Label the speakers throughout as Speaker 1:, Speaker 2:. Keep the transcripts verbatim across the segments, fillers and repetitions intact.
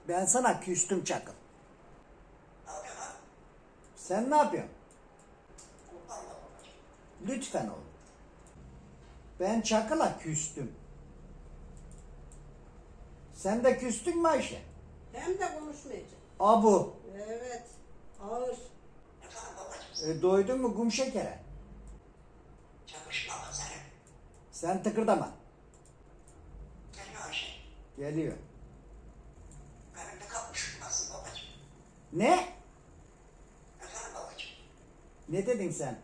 Speaker 1: Ben sana küstüm Çakıl.
Speaker 2: Ne yapıyorsun lan?
Speaker 1: Sen ne yapıyorsun?
Speaker 2: Allah babacığım.
Speaker 1: Lütfen oğlum. Ben Çakıl'a küstüm. Sen de küstün mü Ayşe?
Speaker 3: Hem de konuşmayacak.
Speaker 1: Abu.
Speaker 3: Evet. Ağır.
Speaker 2: Efendim babacığım.
Speaker 1: E, doydun mu kum şekere?
Speaker 2: Çalışmama senin.
Speaker 1: Sen tıkırdama.
Speaker 2: Geliyor Ayşe.
Speaker 1: Geliyor.
Speaker 2: Benim de kapmışım nasıl babacığım?
Speaker 1: Ne?
Speaker 2: Efendim babacığım.
Speaker 1: Ne dedin sen?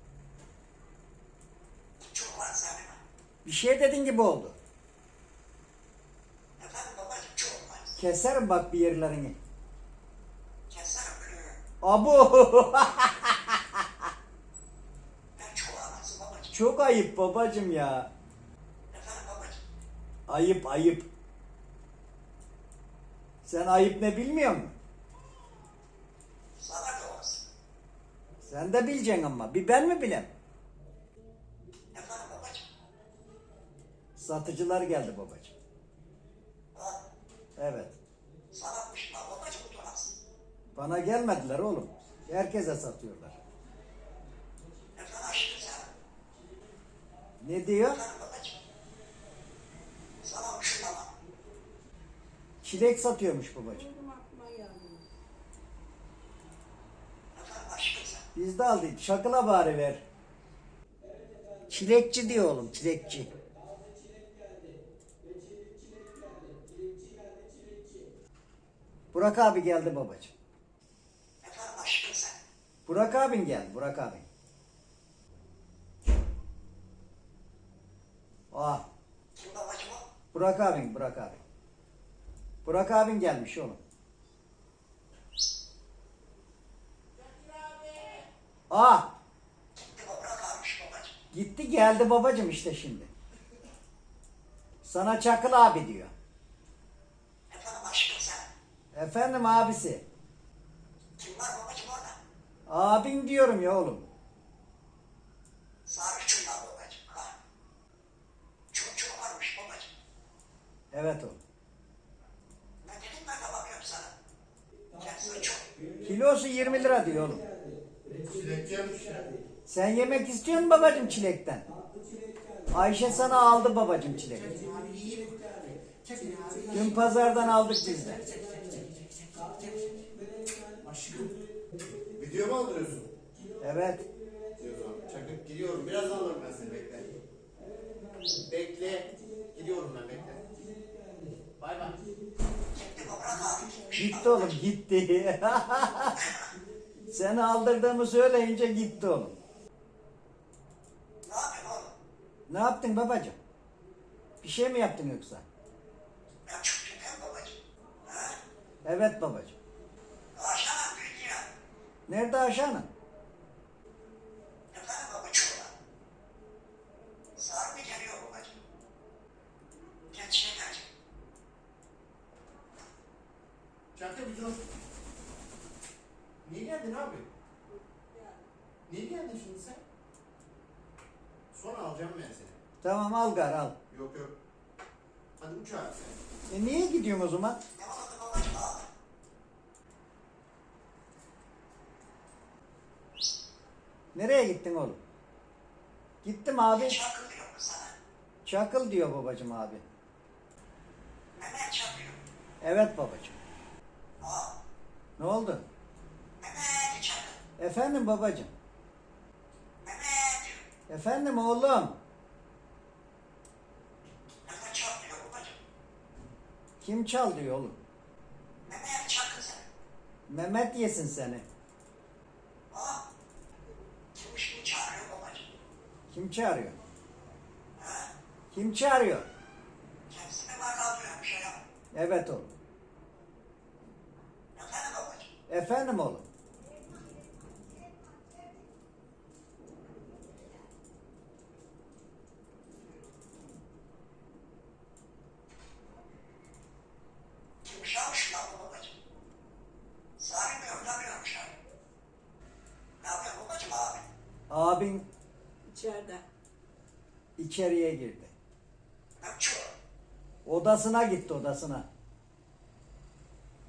Speaker 2: Çok var senin.
Speaker 1: Bir şey dedin gibi oldu.
Speaker 2: Efendim babacığım çok var.
Speaker 1: Keserim bak bir yerlerini.
Speaker 2: Keserim.
Speaker 1: Abu.
Speaker 2: Ben çok ağlasın babacığım.
Speaker 1: Çok ayıp babacım ya.
Speaker 2: Efendim babacığım.
Speaker 1: Ayıp ayıp. Sen ayıp ne bilmiyor musun?
Speaker 2: Sana da olsun.
Speaker 1: Sen de bileceksin ama. Bir ben mi bilem?
Speaker 2: Efendim babacığım.
Speaker 1: Satıcılar geldi babacım.
Speaker 2: Ha,
Speaker 1: Evet.
Speaker 2: sana pişman babacığım utanasın.
Speaker 1: Bana gelmediler oğlum. Herkese satıyorlar.
Speaker 2: Efendim aşkım sen.
Speaker 1: Ne diyor?
Speaker 2: Efendim babacığım. Sana pişman.
Speaker 1: Çilek satıyormuş babacım.
Speaker 3: Benim aklıma geldi.
Speaker 2: Efendim aşkım sen.
Speaker 1: Biz de aldık. Şakıla bari ver. Çilekçi diyor oğlum. Çilekçi. Burak abi geldi babacım.
Speaker 2: Efendim aşkım sen.
Speaker 1: Burak abin geldi. Burak abin. Ah.
Speaker 2: Kim babacığım o?
Speaker 1: Burak abin. Burak abin. Burak abin gelmiş oğlum. Ah.
Speaker 2: Gitti babra kalmış babacığım.
Speaker 1: Gitti geldi babacım işte şimdi. Sana Çakıl abi diyor.
Speaker 2: Efendim aşkım sen.
Speaker 1: Efendim abisi.
Speaker 2: Kim var babacığım orada?
Speaker 1: Abin diyorum ya oğlum.
Speaker 2: Sarı çuval babacığım. Ha. Çok çok varmış babacığım.
Speaker 1: Evet oğlum.
Speaker 2: Ne dedim ben de bakıyorum sana. Kendisi çok.
Speaker 1: Kilosu yirmi lira diyor oğlum.
Speaker 2: Çilekçiymiş.
Speaker 1: Sen yemek istiyor musun babacım çilekten? Ayşe sana aldı babacım çilek. Dün pazardan aldık biz de.
Speaker 4: Video mu aldırıyorsun?
Speaker 1: Evet.
Speaker 4: Diyorum. Çakıp gidiyorum. Birazdan alırım ben seni, bekle. Bekle. Gidiyorum ben, bekle. Bay bay.
Speaker 2: Gitti babra kalmış.
Speaker 1: Gitti oğlum gitti. Seni aldırdığımı söyleyince gitti oğlum.
Speaker 2: Ne yapıyorsun oğlum?
Speaker 1: Ne yaptın babacım? Bir şey mi yaptın yoksa?
Speaker 2: Ben çok kötüyüm babacığım. Ha?
Speaker 1: Evet babacım.
Speaker 2: Aşağıdan büyüdü ya.
Speaker 1: Nerede aşağının?
Speaker 2: Efendim baba çuvala. Sarı mı geliyor babacığım? Gel şey gelecek.
Speaker 4: Çakı bir dur. Niye geldin abi? Niye geldin şimdi sen? Sonra alacağım ben seni.
Speaker 1: Tamam al gar al.
Speaker 4: Yok yok. Hadi uç abi sen.
Speaker 1: E niye gidiyorsun o zaman?
Speaker 2: Ne oldu babacığım abi?
Speaker 1: Nereye gittin oğlum? Gittim abi.
Speaker 2: Çakıl diyor mu sana?
Speaker 1: Çakıl diyor babacım abi.
Speaker 2: Mehmet çakıyor.
Speaker 1: Evet babacım.
Speaker 2: Aa,
Speaker 1: Ne oldu?
Speaker 2: Mehmet çakıl.
Speaker 1: Efendim babacım.
Speaker 2: Mehmet diyor.
Speaker 1: Efendim oğlum.
Speaker 2: Mehmet çakıyor babacığım.
Speaker 1: Kim çal diyor oğlum.
Speaker 2: Mehmet çakıl sen.
Speaker 1: Mehmet yesin seni.
Speaker 2: Aa, kimmiş bu çağırıyor babacığım?
Speaker 1: Kim çağırıyor?
Speaker 2: Ha?
Speaker 1: Kim çağırıyor?
Speaker 2: Kendisine bak kaldırıyor bir şey yok.
Speaker 1: Evet oğlum.
Speaker 2: Efendim babacığım?
Speaker 1: Efendim oğlum.
Speaker 2: Kimmiş almış lan bu babacığım? Sarılmıyor, utanmıyormuş abi. Ne yapıyor babacığım abi?
Speaker 1: Abin
Speaker 3: İçeride.
Speaker 1: içeriye girdi.
Speaker 2: Ben çok.
Speaker 1: Odasına gitti odasına.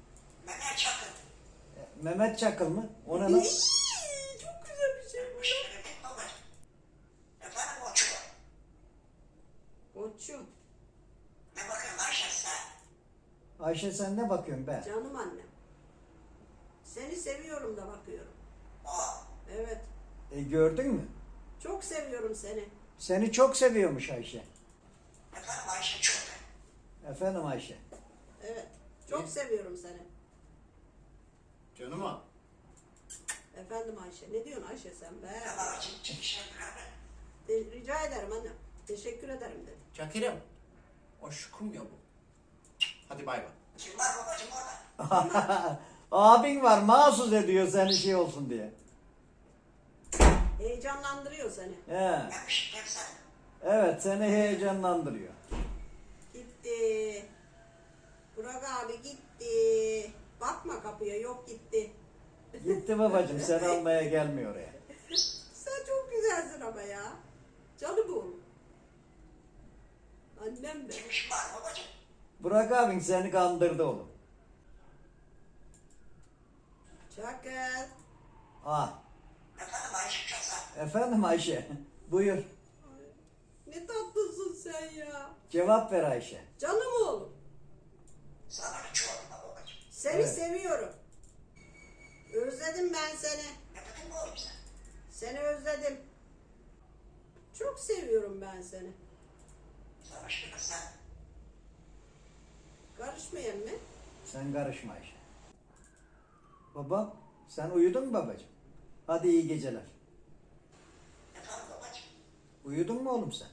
Speaker 1: Mehmet Çakıl mı? O ne lan?
Speaker 3: İyi, çok güzel bir şey bu.
Speaker 2: Bir şey dedim babacığım. Efendim o çuval.
Speaker 3: Koçum,
Speaker 2: Ne bakıyorsun Ayşe sen?
Speaker 1: Ayşe sen ne bakıyorsun be?
Speaker 3: canım annem. Seni seviyorum da bakıyorum.
Speaker 2: Aa,
Speaker 3: Evet,
Speaker 1: E, gördün mü?
Speaker 3: çok seviyorum seni.
Speaker 1: Seni çok seviyormuş Ayşe.
Speaker 2: efendim Ayşe çok.
Speaker 1: Efendim Ayşe.
Speaker 3: Evet, çok seviyorum seni.
Speaker 4: Canım al.
Speaker 3: Efendim Ayşe, ne diyorsun Ayşe sen be?
Speaker 2: Ya babacığım çekişen bir abi.
Speaker 3: De- rica ederim annem. Teşekkür ederim dedim.
Speaker 4: Şakir'im. Aşkım ya bu. Hadi bay bay.
Speaker 2: Kim var babacığım orada?
Speaker 1: Abin var mahsus ediyor seni şey olsun diye.
Speaker 3: Heyecanlandırıyor seni.
Speaker 1: He.
Speaker 2: Gelmiş gel sen.
Speaker 1: Evet seni heyecanlandırıyor.
Speaker 3: Gitti. Burak abi gitti. Bakma kapıya, yok gitti.
Speaker 1: Gitti babacığım seni almaya gelmiyor oraya.
Speaker 3: Sen çok güzelsin ama ya. Canım oğlum. Annem de.
Speaker 2: Kimmiş var babacığım?
Speaker 1: Burak abin seni kandırdı oğlum.
Speaker 3: Çakır.
Speaker 1: Ah.
Speaker 2: Efendim Ayşe çok sağ.
Speaker 1: Efendim Ayşe. Buyur.
Speaker 3: Ay, ne tatlısın sen ya.
Speaker 1: Cevap ver Ayşe.
Speaker 3: Canım oğlum.
Speaker 2: Sana bir çuvalım var babacığım.
Speaker 3: Seni
Speaker 1: Evet.
Speaker 3: seviyorum. Özledim ben seni.
Speaker 2: Ne dedin mi oğlum sen?
Speaker 3: Seni özledim. Çok seviyorum ben seni.
Speaker 2: Sana şimdi sen.
Speaker 3: Karışmayalım mı?
Speaker 1: Sen karışma Ayşe. Baba sen uyudun mu babacığım? Hadi iyi geceler.
Speaker 2: Efendim babacığım.
Speaker 1: Uyudun mu oğlum sen?